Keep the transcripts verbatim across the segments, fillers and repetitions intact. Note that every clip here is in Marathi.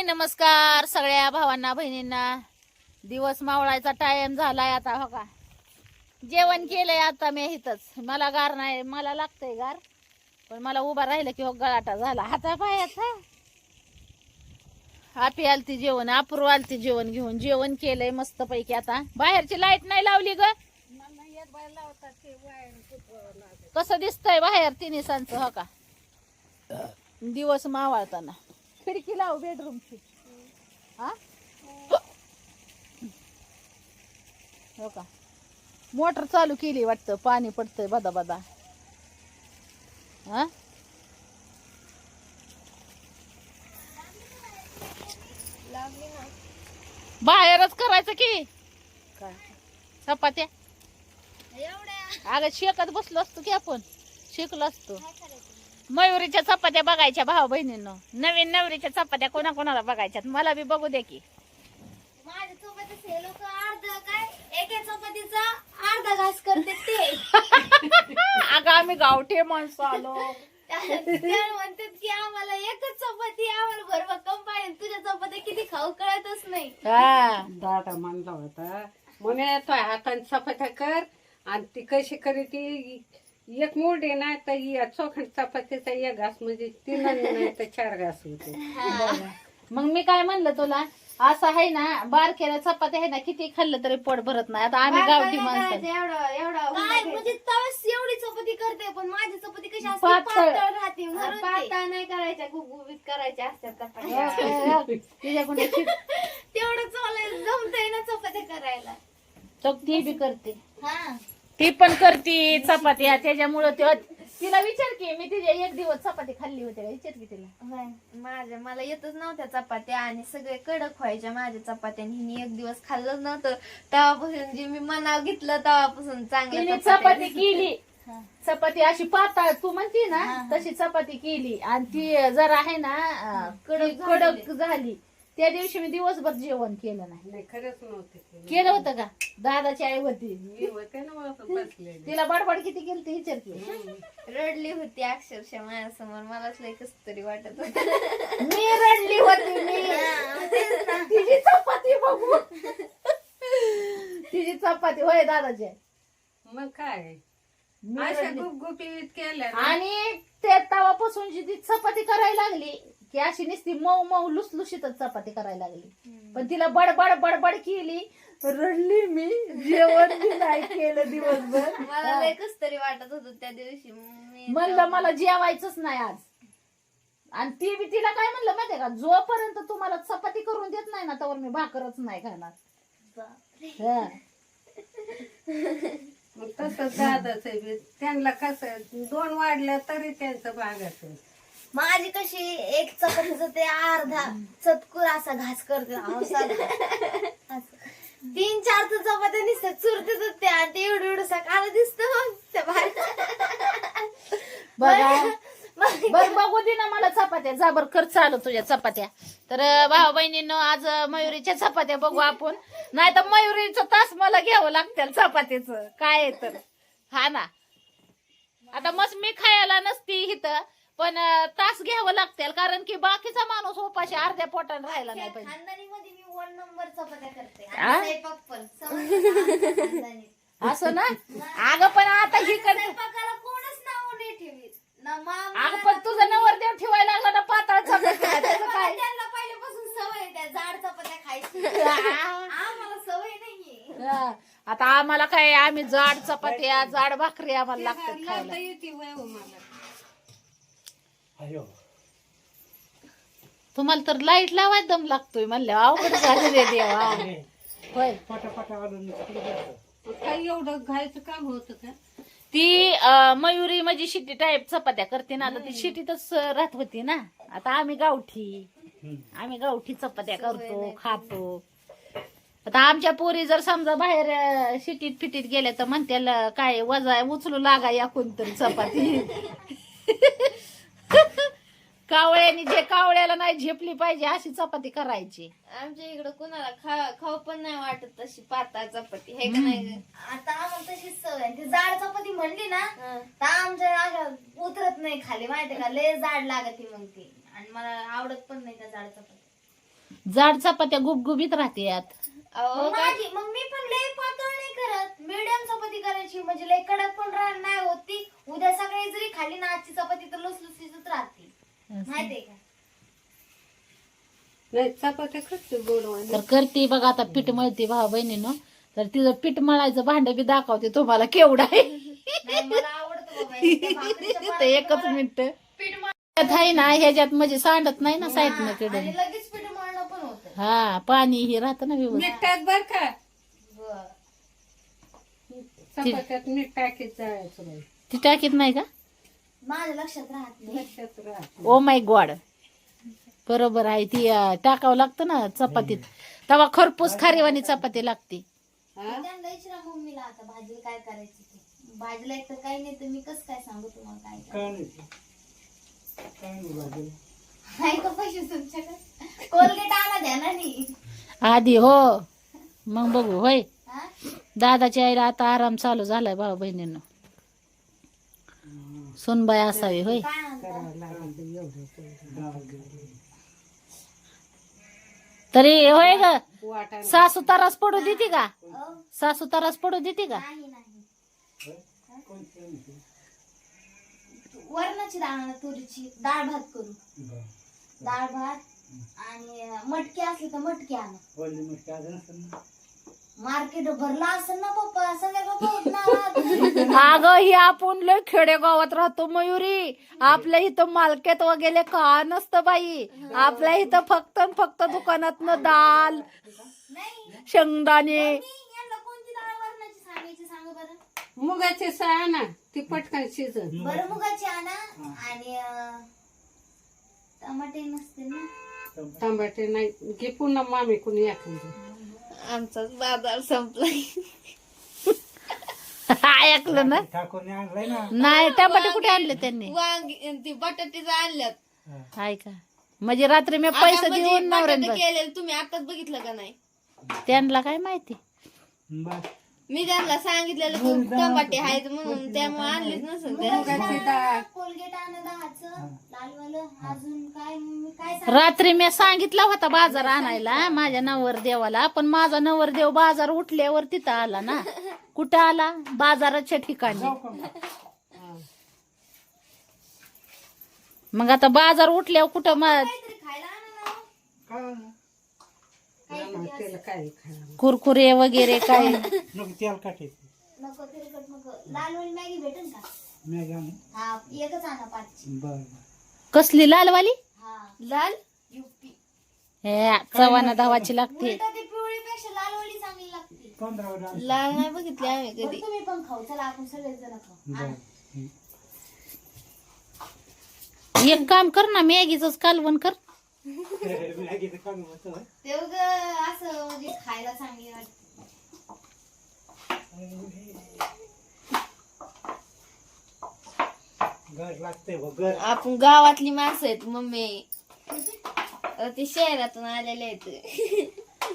नमस्कार सगळ्या भावांना बहिणींना. दिवस मावळायचा टाइम झालाय आता. हो का, जेवण केलंय आता मी इथंच. मला गार नाही, मला लागतंय गार, पण मला उभा राहिलं की हो गळाटा झाला हाता पायाचा. आपी आलती जेवण, अपूर्व आलती जेवण घेऊन. जेवण केलंय मस्त पैकी. आता बाहेरची लाईट नाही लावली ग. कसं दिसतंय बाहेर तिन्ही सांचं. हो का, दिवस मावळताना. खिडकी लाव बेडरूमची. हा हो का, मोटर चालू केली वाटतं, पाणी पडतंय बदा बदा. हा बाहेरच करायचं की काय चपात्या. अगं शेकत बसलो असतो की आपण, शिकलो असतो. मयुरीच्या चपात्या बघायच्या भाऊ बहिणींनो. नवीन नवरीच्या चपात्या कोणा कोणाला बघायच्यात, मला बी बघू दे की. माझ्या चपातीच हे लोक अर्ध काय एका चपातीचा अर्धा घास करते ते. अगं आम्ही गावठे माणसं आलो. म्हणतात की आम्हाला एकच चपाती, आम्हाला भरभक्कम पाहिजे. तुझ्या चपात्या किती खाऊ कळतच नाही. हा दादा म्हणला होता म्हणे तो हाताने चपात्या कर, आणि ती कशी करी ती एक मोठी नाही तर या चोखंड चपातीचा एक घास म्हणजे तीन नाही तर चार घास होते. मग मी काय म्हणलं तुला, असं आहे ना, बारकेला चपात्या आहे ना, किती खाल्लं तरी पोट भरत नाही. आता आम्ही गावठी माणसं एवढं एवढं काय म्हणजे तवस एवढी चपाती करते, पण माझी चपाती कशी असते, पातळ. पातळ राहते. पातळ नाही करायच्या, गुबगुबीत करायच्या असतात चपात्या. तुझ्याकडे तेवढं चालायला जमतंय ना चपात्या करायला. तो ती बी करते, हा ती पण करते चपात्या. त्याच्यामुळं ते तिला विचार की, मी तिच्या एक दिवस चपाती खाल्ली होती का, विचार की तिला. होय. माझ्या मला येतच नव्हत्या चपात्या, आणि सगळे कडक व्हायच्या माझ्या चपात्या. हिने एक दिवस खाल्लंच नव्हतं, तेव्हापासून जे मी मनाव घेतलं तेव्हापासून तिने चांगली चपाती केली. चपाती अशी पातळ तू म्हणती ना तशी चपाती केली, आणि ती जर आहे ना कडक कडक झाली. त्या दिवशी मी दिवसभर जेवण केलं नाही. नाही खरंच नव्हते केलं होतं का, दादाची आई होती, मी होते ना मग बसलेले. तिला बडबड किती केली ती विचार की. रडली होती अक्षरशः माझ्यासमोर. मलाच लय कस तरी वाटत होतं. मी रडली होती. मी तिची चपाती बघू, तिची चपाती होय दादाची. मग काय मी अशा रडली. गुपगुपीत केल्या ना. आणि त्या तवापासून जी ती चपाती करायला लागली की अशी नुसती मऊ मऊ लुसलुशीतच चपाती करायला लागली. पण तिला बडबड बडबड केली, रडली मी. जेवण बी नाही केलं दिवसभर. मला लय कस तरी वाटत होत त्या दिवशी. मी म्हणलं मला जेवायचंच नाही आज. आणि ती बी तिला काय म्हणलं माहितीये का, जोपर्यंत तुम्हाला चपाती करून देत नाही ना तोवर मी भाकरच नाही खाणार. हा. मग तसं दादाच बी त्यांना कसं दोन वाढल्या तरी त्यांचं भागाचं. माझी कशी एक चपातीचा ते अर्धा चतकुर असा घास करते. असा घास. तीन चार तर चपात्या दिसतात चुरते त्या, आणि ते एवढं एवढं सकाळ दिसत. मग त्या बघा बर बघू दे ना मला चपात्या. जा बर कर चालू तुझ्या चपात्या. तर भाऊ बहिणींनो, आज मयुरीच्या चपात्या बघू आपण. नाही तर मयुरीचं तास मला घ्यावं लागतील चपातीच काय आहे तर. हा ना, आता मस्त मी खायला नसती इथं, पण तास घ्यावं लागतील, कारण की बाकीचा माणूस उपाशी अर्ध्या पोटाने राहायला नाही पाहिजे. खानदानी मध्ये मी वन नंबर चपात्या करते. आ? आणि स्वयंपाक पण समजलं ना? खानदानी. असं ना. अगं पण आता ही कर. स्वयंपाकाला कोणच नाव नाही ठेवीत ना. मामा अगं पण तुझं नवरदेव ठेवायला लागला ना पातळ चपात्या, त्याचं काय. त्यांना पहिल्यापासून सवय आहे त्या जाड चपात्या खायची. आम्हाला सवय नाहीये. हा. आता आम्हाला काय, आम्ही जाड चपात्या जाड भाकरी आम्हाला लागतात लावता खायला. येते वय हो मला. तुम्हाला तर लाईट लावायला दम लागतोय म्हणलं, अवघड झालं रे देवा. होय, काही एवढं घायचं काम होतं का. ती अं, मयुरी म्हणजे शिटी टाईप चपात्या करते ना, आता ती शिटीतच राहत होती ना. आता आम्ही गावठी आम्ही गावठी चपात्या करतो खातो. आता आमच्या पोरी जर समजा बाहेर अं, शिटीत फिटीत गेल्या तर म्हणत्याला काय वजा उचलू लागा या कोणतरी चपाती. कावळ्यानी जे कावळ्याला नाही झेपली पाहिजे अशी चपाती करायची. आमच्या इकडं कुणाला खा खाऊ पण नाही वाटत तशी पातळ चपाती हे का नाही. आता आम्हाला तशीच सवय. ती जाड चपाती म्हणली ना तर आमच्या अशा उतरत नाही खाली, माहितीये का, लय जाड लागते मग ती. आणि मला आवडत पण नाही त्या जाड चपाती. जाड चपात्या गुबगुबीत राहतात. मग माझी मग मी पण लय पातळ नाही करत, मीडियम चपाती करायची म्हणजे लय कडक पण राहणार नाही होती. उद्या सकाळी जरी खाली ना आजची चपाती तर लुसलुसीतच राहते, माहितीये का? नाही चपात्या करते गोडवाणी. तर करते बघा आता पीठ मळते भाऊ बहिणीनं. तर तिचं पीठ मळायचं भांड बी दाखवते तुम्हाला केवढं आहे. नाही, मला आवडतं बाबा हे त्या भाकरीच्या तर पाण्यात एकच मला मिनिट पीठ मळ- आहे ना ह्याच्यात म्हणजे सांडत नाही ना साईडनं हा, कडे. आणि लगेच पीठ मळणं पण होतं. हा पाणी हे राहतं ना व्यवस्थित. मीठ टाक बर का, बरं. चपात्यात मीठ टाकीत जायचं बाई. ती टाकीत नाही का? माझ्या लक्षात राहत नाही. लक्षात राहत. ओ माय गॉड, बरोबर आहे. ती अं, टाकावं लागतं ना चपातीत, तेव्हा खरपूस खारीवाणी चपाती लागते. हा? त्यांना विचारा मम्मीला आता भाजीला काय करायचं ते. भाजीला एक तर काही नाही तर मी कसं काय सांगू तुम्हाला काय करायचं. नाही का पैसे तुमच्याकडे? कोलगेट आणा द्या ना नी. आधी हो, मग बघू. होय, हा? दादाच्या आईला आता आराम चालू झालाय भाऊ बहिणींनो. सुनबाई असावी. होय, काय आणता? करावं लागेल एवढं. तरी होय ग. वाटा सासू तारास पडू देते का? अहो, सासू तारास पडू देते का? नाही नाही वरणाची डाळ आणा, तुरीची डाळ भात करू. डाळ भात आणि मटकी असली तर मटकी आणा. मार्केट भरला असेल ना पप्पा, सगळ्या पप्पा होत ना. अगं ही आपण लय खेडेगावात राहतो मयुरी. आपल्या इथं मार्केट वगैरे का नसतं बाई. आपल्या इथं फक्त न फक्त दुकानातनं दाल, नाही शेंगदाणे. यांना कोणती डाळ वरणाची सांगायची सांगा बरं. मुगाची साय ना, ती पटकन शिजन. बरं मुगाची आणा आणि अं, टमाटे नसते ना. टमाटे नाही घे, पुन्हा मामी कुणी एखादी. आमचाच बाजार संपलाय. ऐकलं ना? ठाकूरने आणलाय ना. नाही, टमाटे कुठे आणले त्यांनी? वांगी ती बटाट्याचं आणल्यात. हाय का? म्हणजे रात्री मी पैसे देऊन नवऱ्यानं बघ- केलेलं तुम्ही आताच बघितलं का नाही? त्यांना काय माहिती. बस मी त्यांना सांगितलेलं तू टमाटे आहेत म्हणून, त्यामुळे आणलीच नसेल. मुगाची डाळ कोलगेट आणा दहाचं लालवालं. अजून काय मी काय रात्री मी सांगितला होता बाजार आणायला माझ्या नवर देवाला, पण माझा नवर देव बाजार उठल्यावर तिथं आला ना. कुठं आला? बाजाराच्या ठिकाणी. मग आता बाजार उठल्यावर कुठं मग काहीतरी खायला आणा ना. त्याला काय खायला. कुरकुरे वगैरे काय. नको तेल काटायचं. नको तिरकट नको. लालवाली मॅगी भेटेल का? मॅगी आणू. हा एकच आणा पाचची. बर कसली लालवाली? हा लाल युपी. हे चव्हाणा धावाची लागते. उलट ती पिवळीपेक्षा लालवाली चांगली लागते. पंधरा वर आणू. लाल नाही बघितली आम्ही कधी. तुम्ही पण खाऊ, चला आपण सगळेच जण खाऊ. बर. एक काम कर ना, मॅगीच कालवण कर. मॅगीचं काम होतं. ते उगाच असं म्हणजे खायला चांगली वाटते. घर लागतंय बघ, घर. आपण गावातली माणसं आहेत मम्मी, ते शहरातून आलेले आहेत.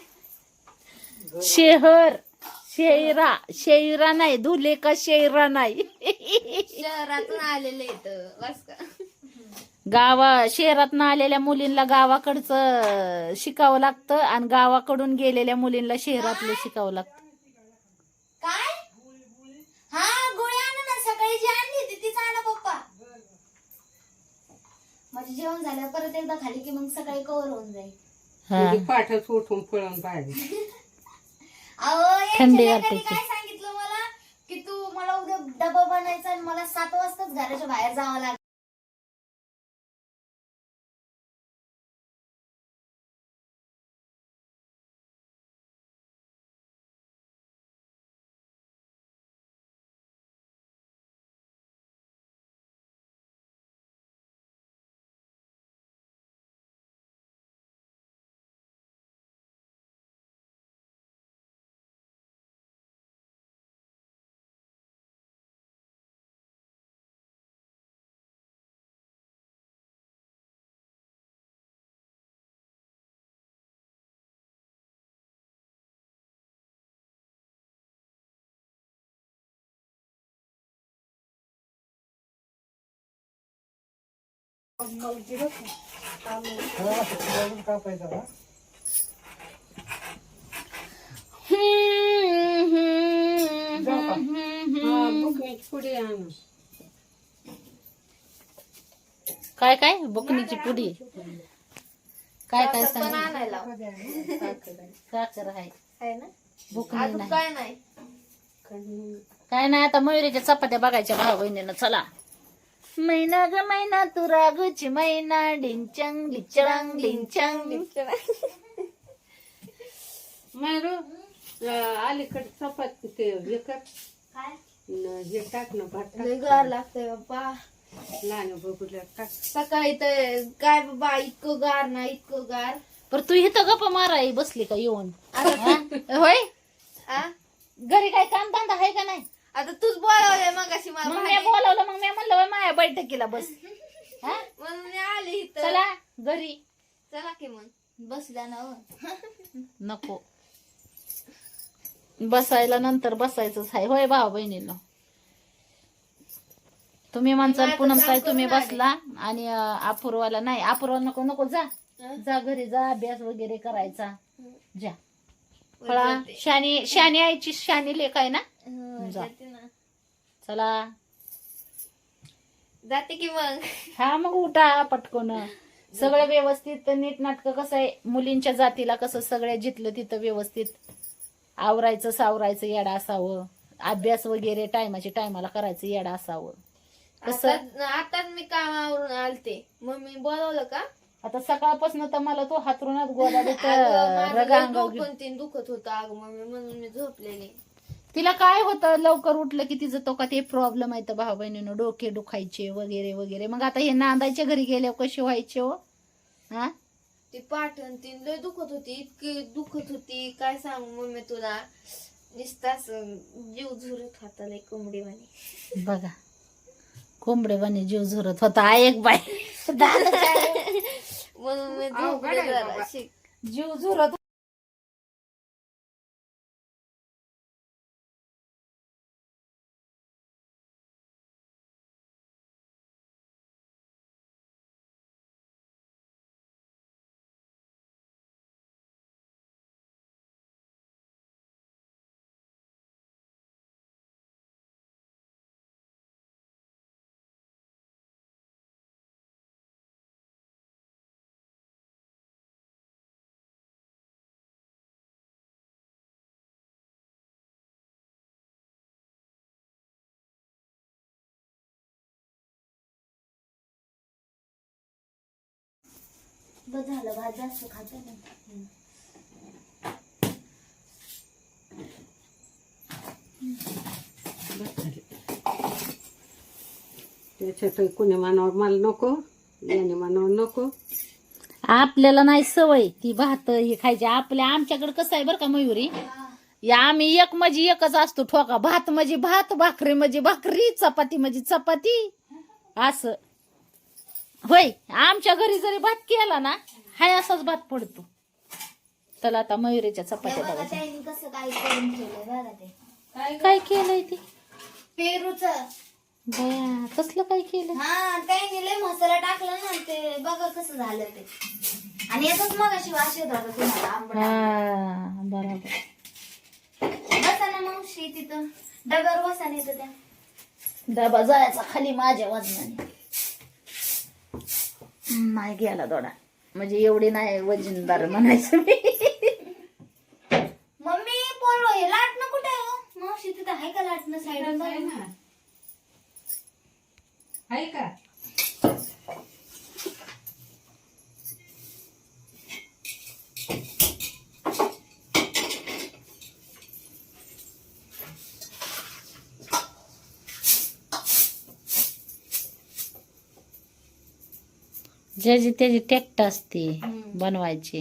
शेहर शेरा शेरा नाही, धुले का शेरा नाही. शहरातून आलेले आहेत बस का. गावा शहरात आलेल्या मुलींना गावाकडचं शिकावं लागतं आणि गावाकडून गेलेल्या मुलींना शहरातलं शिकावं लागतं. काय? हा गोळी आणा ना, सकाळी जी आणली होती तीच आणा पप्पा. म्हणजे जेवण झालं परत एकदा खाली की मग सकाळी कवर होऊन जाईल. हा. म्हणजे पाठच उठून पळून बाहेर. अहो थंडी यांच्या वाटते लेकांनी काय सांगितलं मला की तू मला उद्या डबा बनायचा आणि मला सात वाजताच घराच्या बाहेर जावं लागेल. हा, बघून कापायचा का? जाऊ का? हा, बुकनीची पुडी आणू. काय काय बुकनीची पुडी काय काय साखर पण सांग आणायला साखर आहे आहे ना बुकनी अजून नाही काय नाही काय नाही आता मयुरीच्या चपात्या बघायच्या भाऊ बहिणीनं चला मैना ग मैना तू रागूची मैना डिंचंग डिचंग डिंचंग मारू अलीकडे चपाती ते हे कर काय न हे टाक ना भात टाक. लय गार लागतंय बाप्पा लहान बघूला टाक. सकाळी तर काय बाबा इतकं गार ना इतकं गार पर तू इथं गप्पा माराय बसली का येऊन हा? होय आ? घरी काय काम धंदा आहे का नाही आता तूच बोलावलंय मग अशी मला मग मी बाहेर. बोलावलं मग मी म्हणलं "होय, माझ्या बैठकीला बस हा? म्हणून मी आले इथं चला घरी चला की मग बसल्या ना हो. नको बसायला नंतर बसायचंच आहे होय भाऊ बहिणीला तुम्ही म्हणसाल पुनम काय तुम्ही बसला आणि अं, अपूर्वाला नाही अपूर्वा नको नको जा जा घरी जा अभ्यास वगैरे करायचा जा फळा शानी शानी आईची शानी लेख आहे ना हं, जा. जाते ना. चला जाते की मग हा मग उठा पटकन सगळं व्यवस्थित नीट नाटक कसं आहे मुलींच्या जातीला कसं सगळ्या जिथलं तिथं व्यवस्थित आवरायचं सावरायचं येडा असावं अभ्यास वगैरे टायमाच्या टायमाला करायचं येडा असावं कसं आता- आताच मी कामावरून आलते मम्मी बोलवलं का आता सकाळपासून तर मला तो हातरूनच गोदाडीत अगं, माझं रग लय अंगावर डोकं तीन दुखत होतं अगं मम्मी म्हणून मी झोपलेली तिला काय होतं लवकर उठलं की तिचं तो का ते प्रॉब्लेम आहे तर भाऊ बहिणीनं डोके दुखायचे वगैरे वगैरे मग आता हे नांदायच्या घरी गेल्यावर कशी व्हायचे हो हा ती पाठण तीन लय दुखत होती इतकी दुखत होती काय सांगू मम्मी तुला नुसताच जीव झुरत होता लय कोंबडी वाणी बघा कोंबडेवानी जीव झुरत होता एक बाय म्हणून मी अवघड आहे झोपले जरा बाबा. शिक. जीव झुरत बस झालं भात जास्त खात नाही त्याच्यात कोणी मानावर मला नको याने मानावर नको. आपल्याला नाही सवय ती भात हे खायची आपल्या आमच्याकडे कसं आहे बरं का मयुरी या आम्ही एक म्हणजे एकच असतो ठोका भात म्हणजे भात भाकरी म्हणजे भाकरी चपाती म्हणजे चपाती असं होय आमच्या घरी जरी भात केला ना हाय असाच भात पडतो. चला आता मयुरीच्या चपात्या बघा बघायच्या त्यांनी कसं काय करून ठेवलंय बघा ते काय केलंय ते पेरूच बया कसलं काय केलं हा त्यांनी लय मसाला टाकला ना ते बघा कसं झालं ते आणि याचाच मग अशी वास येत होता तुम्हाला आंबट हा बरोबर बसा ना मावशी तिथं डब्यावर बसा नाही तर त्या डबा जायचा खाली माझ्या वजनाने नाही गेला दोडा म्हणजे एवढी नाही वजनदार म्हणायचं मी मम्मी पोरो हे लाटणं कुठे आहे हो? मावशी तिथं आहे का लाटणं साईड आहे ना. आहे का ज्याची त्याची टेक्ट असते बनवायची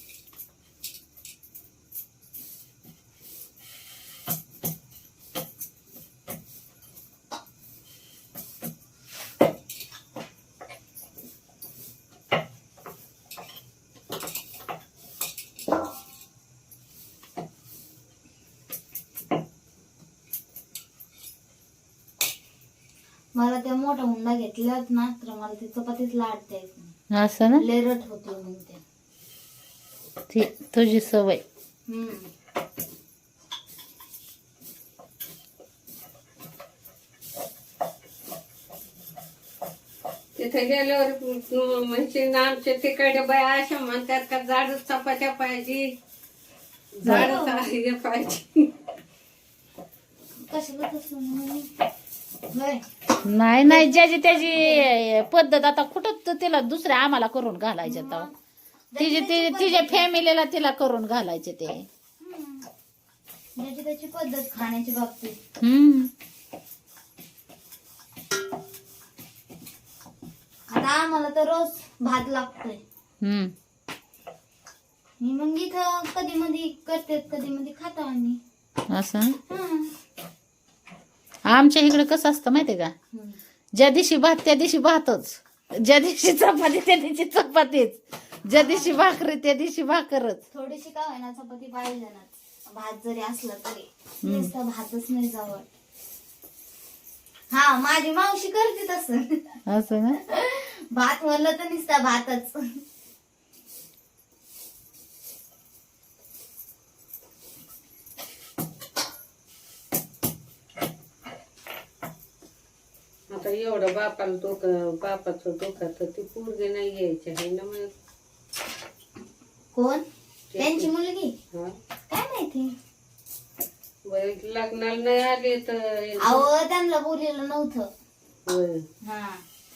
मला त्या मोठा हुंडा घेतल्यात ना तर मला ते चपातीच लाटता येत नाही असं ना लेरट होते मग ते ती तुझी सवय हम्म तिथे गेल्यावर म्हणजे ना आमच्या तिकडे बाया अशा म्हणतात का जाड चपात्या पाहिजे जाड हे पाहिजे. कशाला तसं म्हणे? होय. नाही नाही ज्याची त्याची पद्धत. आता कुठं तर तिला दुसऱ्या आम्हाला करून घालायचे तर तिची ती तिच्या फॅमिलीला तिला करून घालायचे ते. हम्म. ज्याची त्याची पद्धत खाण्याची बाबतीत. हम्म. आता आम्हाला तर रोज भात लागतोय. हम्म. मी मग इथं कधी मधी करते कधी मधी खातो आम्ही. असं हं. आमच्या इकडे कसं असतं माहितीये का, हं. ज्या दिवशी भात त्या दिवशी भातच, ज्या दिवशी चपाती त्या दिवशी चपातीच, ज्या दिवशी भाकरी त्या दिवशी भाकरच. थोडीशी का होईना चपाती पाहिजे ना, भात जरी असला तरी नुसतं भातच नाही जवळ. हा माझी मावशी करते तसं. असं ना. भात म्हणलं तर नुसता भातच. आता एवढं बापाला डोकं बापाचं डोकं तर ती पोरगी नाही यायची आहे ना मग. कोण? त्यांची मुलगी? हा काय माहिती. वय लग्नाला नाही आले तर अहो त्यांना बोललेलं नव्हतं. होय. हा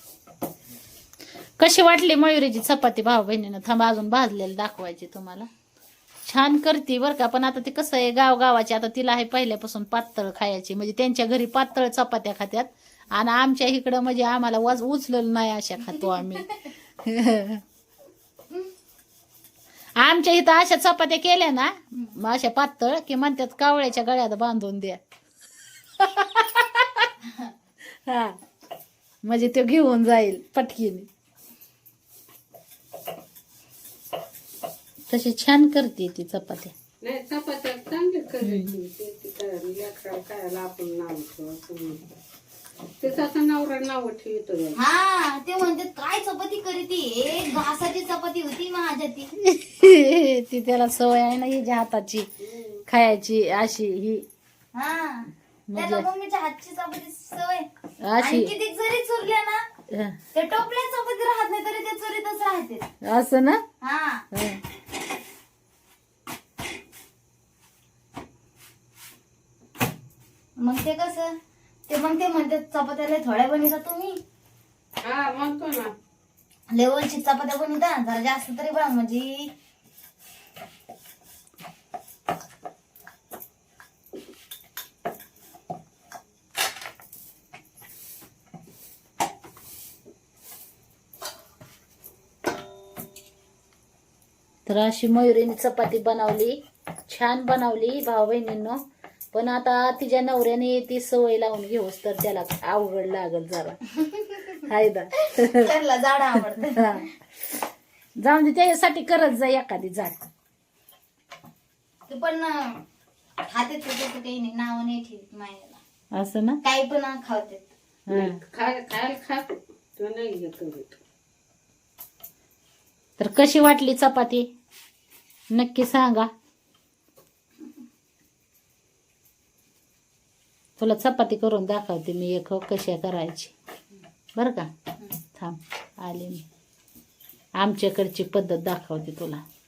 कशी वाटली मयुरीची चपाती भाऊ बहिणीनं? थांबा अजून भाजलेलं दाखवायची तुम्हाला. छान करते बरं का, पण आता ते कसं आहे गावगावाची, आता तिला आहे पहिल्यापासून पातळ खायची, म्हणजे त्यांच्या घरी पातळ चपात्या खात्यात आणि आमच्या इकडं म्हणजे आम्हाला वाज उचलेलं नाही अशा खातो आम्ही. आमच्या इथं अशा चपात्या केल्या ना मग अशा पातळ की म्हणतात कावळ्याच्या गळ्यात बांधून द्या. हा म्हणजे तो घेऊन जाईल पटकीने. तशी छान करते ती चपात्या. नाही चपात्या चांगली करायची. ते तिथं लेकराला खायला आपण नाव ठेवायचं. तिचा नवरा नाव ठेवतो. हा ते म्हणतात काय चपाती करीती, एक घासाची चपाती होती माझ्या ती. ती त्याला सवय आहे ना हिच्या हाताची खायची अशी ही. हा त्याला मम्मीच्या हातची चपाती सवय. अशी आणि किती जरी चुरल्या ना हं. ते टोपल्या चपाती राहत नाही तरी ते चुरीतच राहते. असं ना. हा हं. मग ते कसं ते मग ते म्हणतात चपात्याला थोड्या बनवता तुम्ही, हा म्हणतो ना. लेवलची चपात्या बनवता जरा जास्त तरी बघा म्हणजे. तर अशी मयुरीने चपाती बनवली, छान बनवली भाऊ बहिणींनो. पण आता तिच्या नवऱ्याने ती सवय लावून घेऊस तर त्याला अवघड लागल जरा. हायदा त्याला जाड आवडत. जाऊन दे, त्याच्यासाठी करत जा एखादी झाड. ते पण खाते त्याचं काही नाही, नाव नाही ठेवत मायला. असं ना. काही पण खावते. हं. खाय खायला खातो तो नाही हे करीत. तर कशी वाटली चपाती नक्की सांगा. तुला चपाती करून दाखवते मी एक, कशा करायची बरं का. थांब आले मी, आमच्याकडची पद्धत दाखवते तुला.